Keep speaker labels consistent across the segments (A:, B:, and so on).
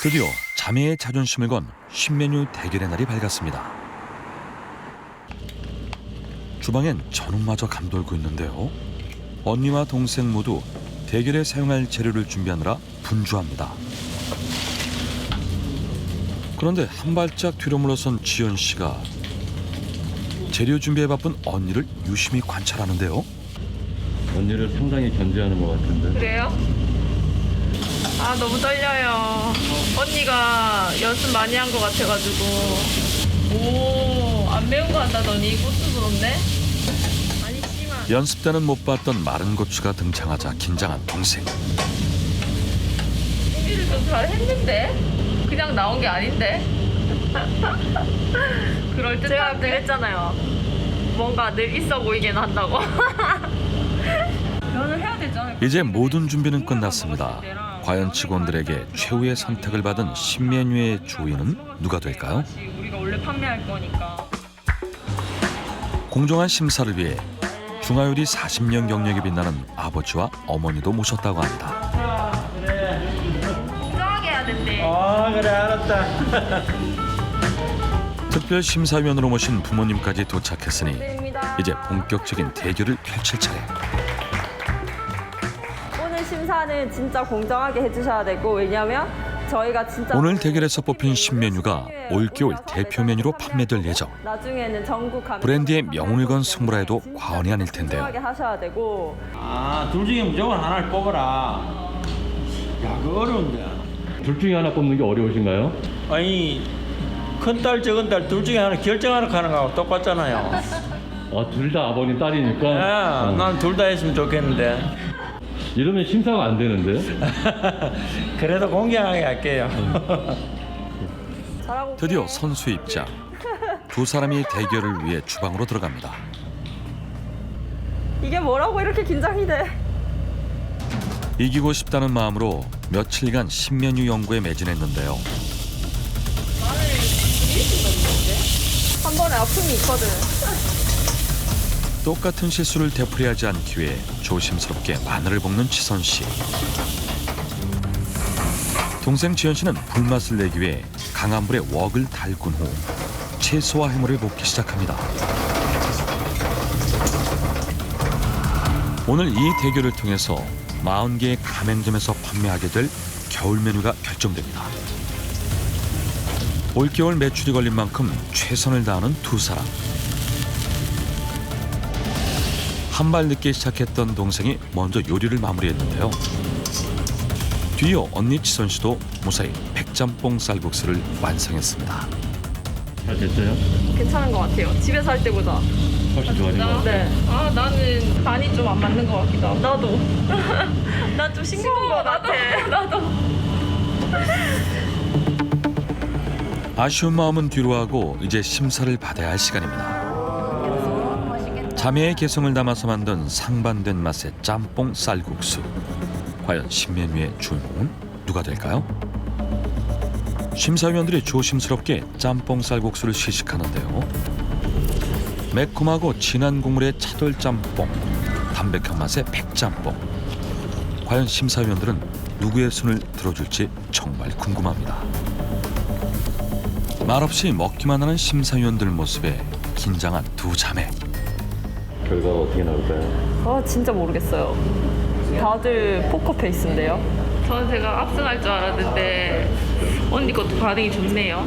A: 드디어 자매의 자존심을 건 신메뉴 대결의 날이 밝았습니다. 주방엔 전운마저 감돌고 있는데요. 언니와 동생 모두 대결에 사용할 재료를 준비하느라 분주합니다. 그런데 한 발짝 뒤로 물러선 지연 씨가 재료 준비에 바쁜 언니를 유심히 관찰하는데요.
B: 언니를 상당히 견제하는 것 같은데.
C: 그래요? 아 너무 떨려요. 언니가 연습 많이 한 것 같아가지고. 오, 안 매운 거 한다더니 고추 부럽네. 많이 심한.
A: 연습 때는 못 봤던 마른 고추가 등장하자 긴장한 동생.
C: 준비를 좀 잘 했는데? 그냥 나온 게 아닌데? 그럴 듯한데? 제가 그랬잖아요. 뭔가 늘 있어 보이긴 한다고. 면을 해야 되잖아요.
A: 이제 모든 준비는 끝났습니다. 과연 직원들에게 최후의 선택을 받은 신메뉴의 주인은 누가 될까요?
C: 우리가 원래 판매할 거니까.
A: 공정한 심사를 위해 중화요리 40년 경력이 빛나는 아버지와 어머니도 모셨다고 합니다.
C: 공정하게 해야 된대.
D: 그래 알았다.
A: 특별 심사위원으로 모신 부모님까지 도착했으니 이제 본격적인 대결을 펼칠 차례.
E: 오늘 심사는 진짜 공정하게 해주셔야 되고, 왜냐면 저희가 진짜
A: 오늘 대결에서 뽑힌 신메뉴가 올겨울 대표 메뉴로 판매될 예정.
E: 나중에는 전국
A: 브랜드의 명운을 건 승부라 해도 과언이 아닐 텐데요.
E: 공정하게 하셔야 되고.
D: 둘 중에 무조건 하나를 뽑아라. 야, 그거 어려운데.
B: 둘 중에 하나 뽑는 게 어려우신가요?
D: 아니, 큰딸, 적은딸 둘 중에 하나 결정하는 하는 거하고 똑같잖아요.
B: 둘 다 아버님 딸이니까.
D: 난 둘 다 했으면 좋겠는데.
B: 이러면 심사가 안 되는데.
D: 그래도 공개하게 할게요.
E: 잘하고
A: 드디어 선수 입장. 두 사람이 대결을 위해 주방으로 들어갑니다.
E: 이게 뭐라고 이렇게 긴장이 돼?
A: 이기고 싶다는 마음으로 며칠간 신메뉴 연구에 매진했는데요.
E: 한 번에 아픔이 있거든.
A: 똑같은 실수를 되풀이하지 않기 위해 조심스럽게 마늘을 볶는 지선 씨. 동생 지연 씨는 불맛을 내기 위해 강한 불에 웍을 달군 후 채소와 해물을 볶기 시작합니다. 오늘 이 대결을 통해서 40개의 가맹점에서 판매하게 될 겨울 메뉴가 결정됩니다. 올겨울 매출이 걸린 만큼 최선을 다하는 두 사람. 한 발 늦게 시작했던 동생이 먼저 요리를 마무리했는데요. 뒤이어 언니 지선 씨도 무사히 백짬뽕 쌀국수를 완성했습니다.
B: 잘 됐어요?
E: 괜찮은 것 같아요. 집에서 할 때보다.
B: 훨씬 좋아진 것 같아요.
E: 네.
C: 아 나는 간이 좀 안 맞는 것 같기도 하고.
E: 나도. 난 좀 싱거운 것 같아.
C: 나도.
A: 아쉬운 마음은 뒤로 하고 이제 심사를 받아야 할 시간입니다. 자매의 개성을 담아서 만든 상반된 맛의 짬뽕 쌀국수. 과연 신메뉴의 주인공은 누가 될까요? 심사위원들이 조심스럽게 짬뽕 쌀국수를 시식하는데요. 매콤하고 진한 국물의 차돌짬뽕, 담백한 맛의 백짬뽕. 과연 심사위원들은 누구의 손을 들어줄지 정말 궁금합니다. 말없이 먹기만 하는 심사위원들 모습에 긴장한 두 자매.
B: 결과가 어떻게 나올까요?
E: 진짜 모르겠어요. 다들 포커 페이스인데요.
C: 저는 제가 압승할 줄 알았는데 언니 것도 반응이 좋네요.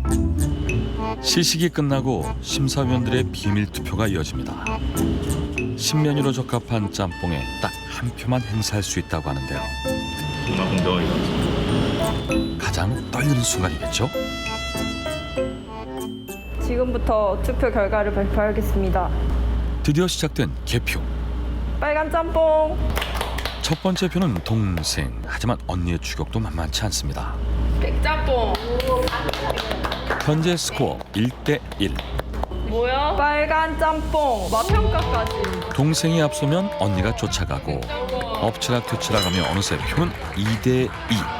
A: 시식이 끝나고 심사위원들의 비밀 투표가 이어집니다. 신메뉴로 적합한 짬뽕에 딱 한 표만 행사할 수 있다고 하는데요.
B: 정말 공정하게.
A: 가장 떨리는 순간이겠죠?
E: 지금부터 투표 결과를 발표하겠습니다.
A: 드디어 시작된 개표.
E: 빨간 짬뽕.
A: 첫 번째 표는 동생. 하지만 언니의 추격도 만만치 않습니다.
C: 백짬뽕.
A: 현재 스코어 1대1.
C: 뭐야?
E: 빨간 짬뽕. 맛평가까지.
A: 동생이 앞서면 언니가 쫓아가고 엎치락뒤치락하며 어느새 표는 2대2.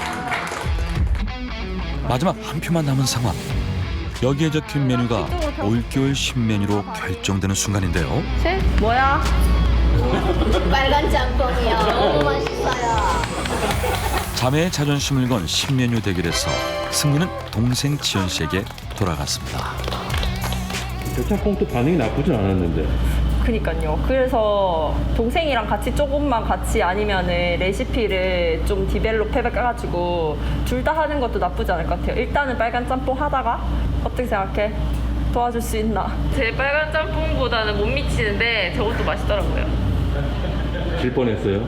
A: 마지막 한 표만 남은 상황. 여기에 적힌 메뉴가 올겨울 신메뉴로 결정되는 순간인데요.
C: 셋? 뭐야?
F: 빨간 짬뽕이요. 너무 맛있어요.
A: 자매의 자존심을 건 신메뉴 대결에서 승리는 동생 지연 씨에게 돌아갔습니다.
B: 대창콩도 반응이 나쁘진 않았는데.
E: 그니까요. 그래서 동생이랑 같이 조금만 같이 아니면은 레시피를 좀 디벨롭 해가지고 둘 다 하는 것도 나쁘지 않을 것 같아요. 일단은 빨간 짬뽕 하다가 어떻게 생각해? 도와줄 수 있나?
C: 제 빨간 짬뽕보다는 못 미치는데 저것도 맛있더라고요.
B: 질 뻔했어요.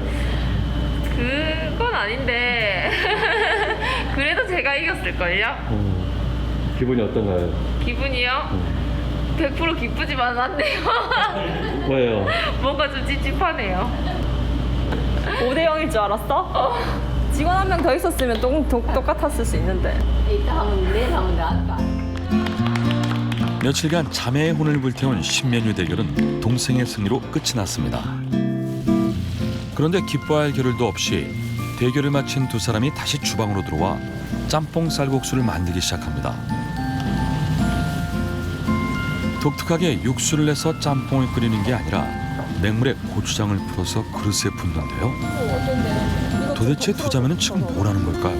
C: 그건 아닌데 그래도 제가 이겼을걸요?
B: 기분이 어떤가요?
C: 기분이요? 100% 기쁘지만 않네요.
B: 왜요?
C: 뭔가 좀 찝찝하네요.
E: 5대 0일 줄 알았어? 직원 한 명 더 있었으면 똑같았을 수 있는데.
A: 며칠간 자매의 혼을 불태운 신메뉴 대결은 동생의 승리로 끝이 났습니다. 그런데 기뻐할 겨를도 없이 대결을 마친 두 사람이 다시 주방으로 들어와 짬뽕 쌀국수를 만들기 시작합니다. 독특하게 육수를 내서 짬뽕을 끓이는 게 아니라 맹물에 고추장을 풀어서 그릇에 붓는데요. 도대체 두 자매는 지금 뭘 하는 걸까요?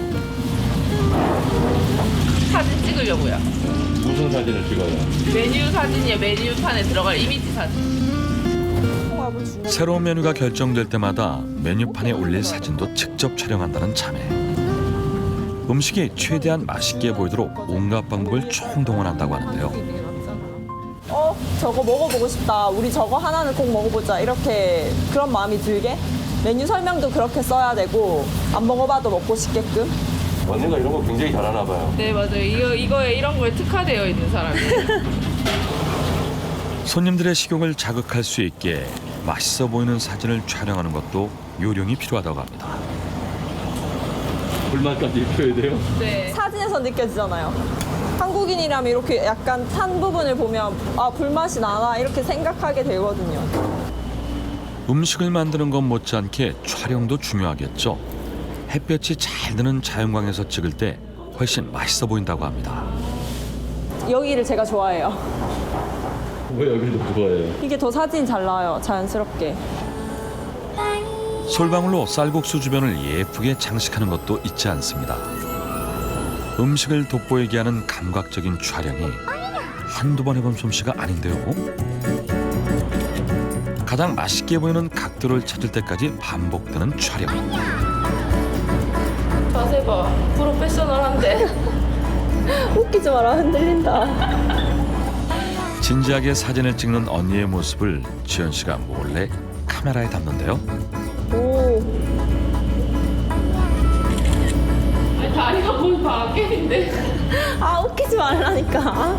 C: 사진 찍으려고요.
B: 무슨 사진을 찍어요?
C: 메뉴 사진이요. 메뉴판에 들어갈 이미지 사진.
A: 새로운 메뉴가 결정될 때마다 메뉴판에 올릴 사진도 직접 촬영한다는 자매. 음식이 최대한 맛있게 보이도록 온갖 방법을 총동원한다고 하는데요.
E: 저거 먹어보고 싶다. 우리 저거 하나는 꼭 먹어보자. 이렇게 그런 마음이 들게 메뉴 설명도 그렇게 써야 되고 안 먹어봐도 먹고 싶게끔.
B: 언니가 이런 거 굉장히 잘하나 봐요.
C: 네, 맞아요. 이거에 이런 거에 특화되어 있는 사람이.
A: 손님들의 식욕을 자극할 수 있게 맛있어 보이는 사진을 촬영하는 것도 요령이 필요하다고 합니다.
B: 불만까지 입혀야 돼요?
C: 네.
E: 사진에서 느껴지잖아요. 한국인이라면 이렇게 약간 탄 부분을 보면 아 불맛이 나나 이렇게 생각하게 되거든요.
A: 음식을 만드는 것 못지않게 촬영도 중요하겠죠. 햇볕이 잘 드는 자연광에서 찍을 때 훨씬 맛있어 보인다고 합니다.
E: 여기를 제가 좋아해요.
B: 왜 여기도 좋아해요?
E: 이게 더 사진이 잘 나와요. 자연스럽게.
A: 솔방울로 쌀국수 주변을 예쁘게 장식하는 것도 잊지 않습니다. 음식을 돋보이게 하는 감각적인 촬영이 한두 번 해본 솜씨가 아닌데요. 가장 맛있게 보이는 각도를 찾을 때까지 반복되는 촬영.
C: 자세 봐. 프로페셔널한데.
E: 웃기지 마라. 흔들린다.
A: 진지하게 사진을 찍는 언니의 모습을 지연 씨가 몰래 카메라에 담는데요.
E: 오.
C: 아니, 다리가 거의 밖에인데.
E: 아 웃기지 말라니까.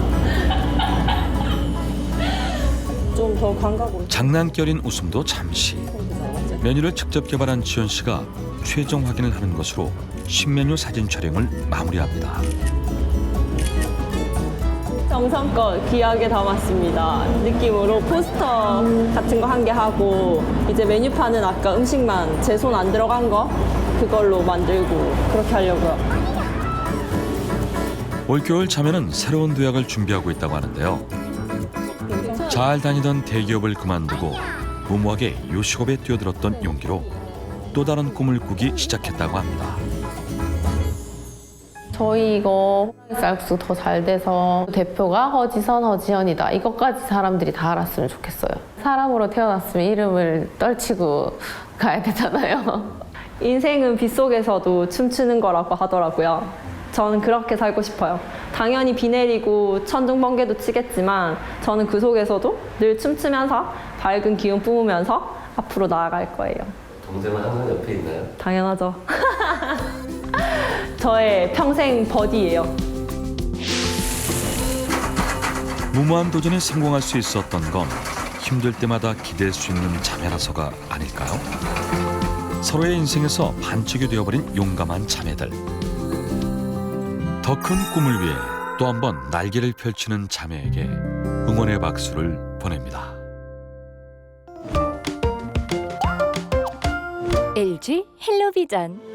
E: 좀 더 감각으로.
A: 장난결인 웃음도 잠시. 메뉴를 직접 개발한 지연 씨가 최종 확인을 하는 것으로 신메뉴 사진 촬영을 마무리합니다.
E: 정성껏 귀하게 담았습니다. 느낌으로 포스터 같은 거 한 개 하고 이제 메뉴판은 아까 음식만 제 손 안 들어간 거 그걸로 만들고 그렇게 하려고요.
A: 올겨울 자매는 새로운 도약을 준비하고 있다고 하는데요. 잘 다니던 대기업을 그만두고 무모하게 요식업에 뛰어들었던 용기로 또 다른 꿈을 꾸기 시작했다고 합니다.
F: 저희 이거 쌀국수 더 잘 돼서 대표가 허지선, 허지현이다. 이것까지 사람들이 다 알았으면 좋겠어요. 사람으로 태어났으면 이름을 떨치고 가야 되잖아요.
E: 인생은 빗속에서도 춤추는 거라고 하더라고요. 저는 그렇게 살고 싶어요. 당연히 비 내리고 천둥 번개도 치겠지만 저는 그 속에서도 늘 춤추면서 밝은 기운 뿜으면서 앞으로 나아갈 거예요.
G: 동생은 항상 옆에 있나요?
E: 당연하죠. 저의 평생 버디예요.
A: 무모한 도전에 성공할 수 있었던 건 힘들 때마다 기댈 수 있는 자매라서가 아닐까요? 서로의 인생에서 반쪽이 되어버린 용감한 자매들. 더 큰 꿈을 위해 또 한 번 날개를 펼치는 자매에게 응원의 박수를 보냅니다.
H: LG 헬로비전